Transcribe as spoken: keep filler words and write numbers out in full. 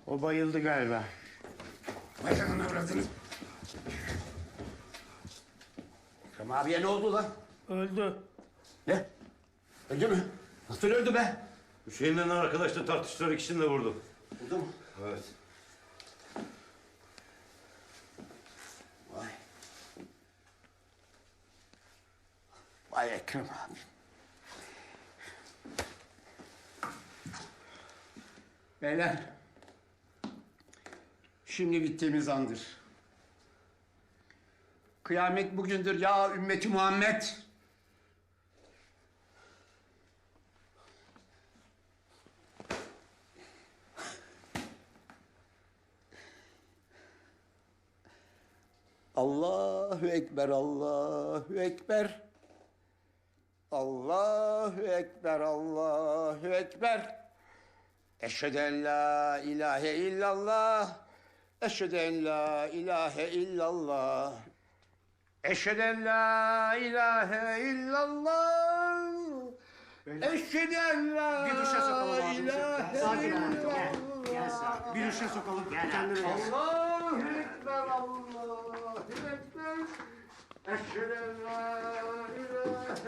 O bayıldı galiba. Vay canına bıraktınız. Ekrem abiye ne oldu lan? Öldü. Ne? Öldü mü? Nasıl öldü be? Hüseyin'le arkadaşla tartıştılar, ikisini de vurdu. Oldu mu? Evet. Vay. Vay Ekrem abi. Beyler. Şimdi bittiğimiz andır. Kıyamet bugündür ya ümmeti Muhammed. Allahu Ekber, Allahu Ekber. Allahu Ekber, Allahu Ekber. Eşhedü en la ilahe illallah. Eşhedü en la ilahe illallah. Eşhedü en la ilahe illallah. Eşhedü en la Bir duşa sokalım abi. ilahe Sakin ol. Gel. illallah. Gel sakin. Bir duşa sokalım. Kendine gel. Allahu Ekber, Allahu Ekber. Eşhedü en la ilahe